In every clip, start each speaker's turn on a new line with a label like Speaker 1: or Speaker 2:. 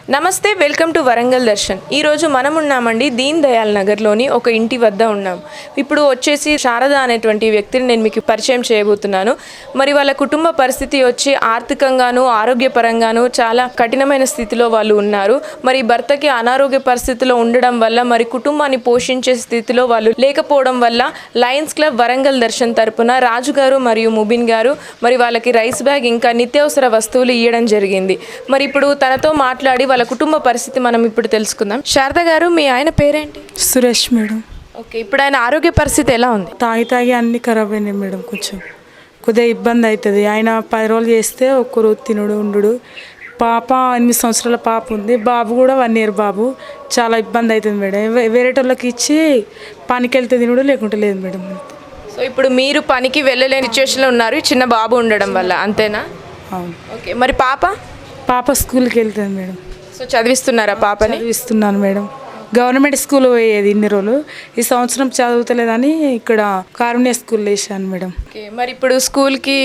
Speaker 1: నమస్తే, welcome to Warangal Darshan. ఈరోజు మనం ఉన్నామండి దీన్ దయాల్ నగర్లోని ఒక ఇంటి వద్ద ఉన్నాం. ఇప్పుడు వచ్చేసి శారద అనేటువంటి వ్యక్తిని నేను మీకు పరిచయం చేయబోతున్నాను. మరి వాళ్ళ కుటుంబ పరిస్థితి వచ్చి ఆర్థికంగాను ఆరోగ్యపరంగాను చాలా కఠినమైన స్థితిలో వాళ్ళు ఉన్నారు. మరి భర్తకి అనారోగ్య పరిస్థితిలో ఉండడం వల్ల మరి కుటుంబాన్ని పోషించే స్థితిలో వాళ్ళు లేకపోవడం వల్ల లయన్స్ క్లబ్ వరంగల్ దర్శన్ తరపున రాజు గారు మరియు ముబిన్ గారు మరి వాళ్ళకి రైస్ బ్యాగ్ ఇంకా నిత్యావసర వస్తువులు ఇవ్వడం జరిగింది. మరి ఇప్పుడు తనతో మాట్లాడి వాళ్ళ కుటుంబ పరిస్థితి మనం ఇప్పుడు తెలుసుకుందాం. శారద గారు, మీ ఆయన పేరేంటి?
Speaker 2: సురేష్ మేడం.
Speaker 1: ఓకే, ఇప్పుడు ఆయన ఆరోగ్య పరిస్థితి ఎలా ఉంది?
Speaker 2: తాగి అన్నీ ఖరాబ్ అయినాయి మేడం. కొద్దిగా ఇబ్బంది అవుతుంది. ఆయన 10 రోజులు చేస్తే ఒక్కరు తినుడు ఉండు. పాప 8 సంవత్సరాల పాప ఉంది. బాబు కూడా 1 year బాబు. చాలా ఇబ్బంది అవుతుంది మేడం. వేరేటోళ్ళకి ఇచ్చి పనికి వెళ్తే తినుడు, లేకుంటే లేదు మేడం.
Speaker 1: సో ఇప్పుడు మీరు పనికి వెళ్ళలేని సిచ్యువేషన్లో ఉన్నారు, చిన్న బాబు ఉండడం వల్ల, అంతేనా?
Speaker 2: అవును.
Speaker 1: ఓకే, మరి పాప
Speaker 2: స్కూల్కి వెళ్తుంది మేడం.
Speaker 1: సో చదివిస్తున్నారా పాపని?
Speaker 2: చదివిస్తున్నాను మేడం. గవర్నమెంట్ స్కూల్ పోయేది ఇన్ని రోజులు. ఈ సంవత్సరం చదువుతలేదని ఇక్కడ కారుణ్య స్కూల్లో వేసాను మేడం.
Speaker 1: ఓకే, మరి ఇప్పుడు స్కూల్కి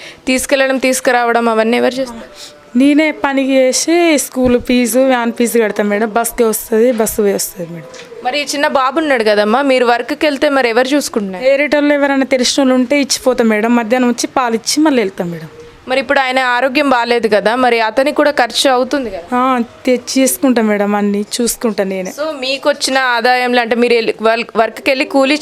Speaker 1: తీసుకురావడం అవన్నీ ఎవరు చేస్తారు?
Speaker 2: నేనే పనికి చేసి స్కూల్ ఫీజు, వ్యాన్ ఫీజు కడతాను మేడం. బస్కి వస్తుంది, బస్సు వస్తుంది మేడం.
Speaker 1: మరి చిన్న బాబు ఉన్నాడు కదమ్మా, మీరు వర్క్కి వెళ్తే మరి ఎవరు చూసుకుంటున్నారు?
Speaker 2: ఏరేటోళ్ళు ఎవరైనా తెలిసిన వాళ్ళు ఉంటే ఇచ్చిపోతాం మేడం. మధ్యాహ్నం వచ్చి పాలు ఇచ్చి మళ్ళీ వెళ్తాం మేడం.
Speaker 1: మరి ఇప్పుడు ఆయన ఆరోగ్యం బాగాలేదు కదా, మరి అతనికి కూడా ఖర్చు అవుతుంది కదా?
Speaker 2: తెచ్చి చేసుకుంటాం మేడం, అన్ని చూసుకుంటాను నేనే.
Speaker 1: సో మీకు వచ్చిన ఆదాయంలో అంటే మీరు వర్క్కి వెళ్ళి కూలీ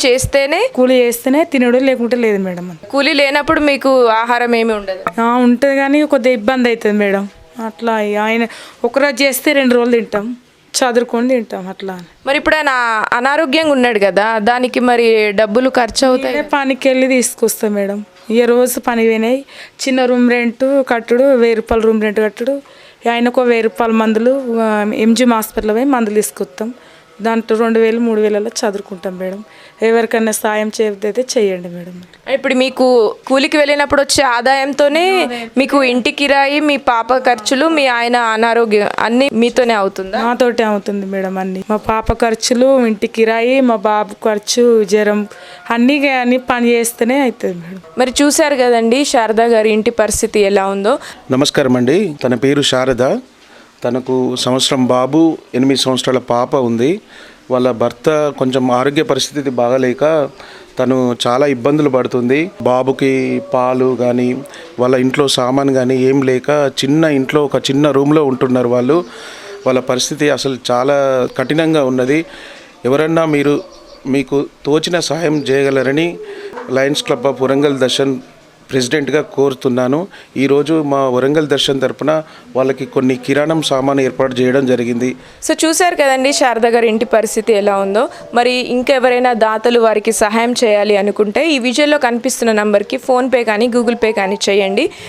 Speaker 1: చేస్తేనే
Speaker 2: తినడు, లేకుంటే లేదు మేడం.
Speaker 1: కూలీ లేనప్పుడు మీకు ఆహారం ఏమి ఉండదు?
Speaker 2: ఉంటుంది కానీ కొద్దిగా ఇబ్బంది అవుతుంది మేడం. అట్లా ఆయన ఒకరోజు చేస్తే 2 రోజులు తింటాం, చదువుకొని తింటాం అట్లా.
Speaker 1: మరి ఇప్పుడు ఆయన అనారోగ్యంగా ఉన్నాడు కదా, దానికి మరి డబ్బులు ఖర్చు అవుతాయి.
Speaker 2: పనికి వెళ్ళి తీసుకొస్తాం మేడం. రోజు పని పోయినాయి. చిన్న రూమ్ రెంట్ కట్టుడు, 1000 రూపాయలు రూమ్ రెంట్ కట్టుడు. ఆయనకు 1000 రూపాయల మందులు ఎంజిఎం హాస్పిటల్ పోయి మందులు తీసుకొస్తాం. దాంట్లో 2000 3000 చదువుకుంటాం మేడం. ఎవరికైనా సాయం చేయకపోతే చేయండి మేడం.
Speaker 1: ఇప్పుడు మీకు కూలికి వెళ్ళినప్పుడు వచ్చే ఆదాయంతోనే మీకు ఇంటి కిరాయి, మీ పాప ఖర్చులు, మీ ఆయన అనారోగ్యం అన్ని మీతోనే అవుతుందా?
Speaker 2: నాతోటే అవుతుంది మేడం. అన్ని మా పాప ఖర్చులు, ఇంటి కిరాయి, మా బాబు ఖర్చు, జ్వరం అన్ని పని చేస్తేనే అవుతుంది మేడం.
Speaker 1: మరి చూశారు కదండి శారద గారి ఇంటి పరిస్థితి ఎలా ఉందో.
Speaker 3: నమస్కారం అండి. తన పేరు శారద. తనకు సంవత్సరం బాబు, 8 సంవత్సరాల పాప ఉంది. వాళ్ళ భర్త కొంచెం ఆరోగ్య పరిస్థితి బాగాలేక తను చాలా ఇబ్బందులు పడుతుంది. బాబుకి పాలు కానీ వాళ్ళ ఇంట్లో సామాన్ కానీ ఏం లేక చిన్న ఇంట్లో ఒక చిన్న రూమ్లో ఉంటున్నారు వాళ్ళు. వాళ్ళ పరిస్థితి అసలు చాలా కఠినంగా ఉన్నది. ఎవరన్నా మీకు తోచిన సహాయం చేయగలరని Lions Club of Warangal Darshan ప్రెసిడెంట్గా కోరుతున్నాను. ఈరోజు మా వరంగల్ దర్శన్ తరపున వాళ్ళకి కొన్ని కిరాణం సామాను ఏర్పాటు చేయడం జరిగింది.
Speaker 1: సో చూశారు కదండి శారద గారి ఇంటి పరిస్థితి ఎలా ఉందో. మరి ఇంకెవరైనా దాతలు వారికి సహాయం చేయాలి అనుకుంటే ఈ విజువల్లో కనిపిస్తున్న నంబర్కి ఫోన్పే కానీ గూగుల్ పే కానీ చేయండి.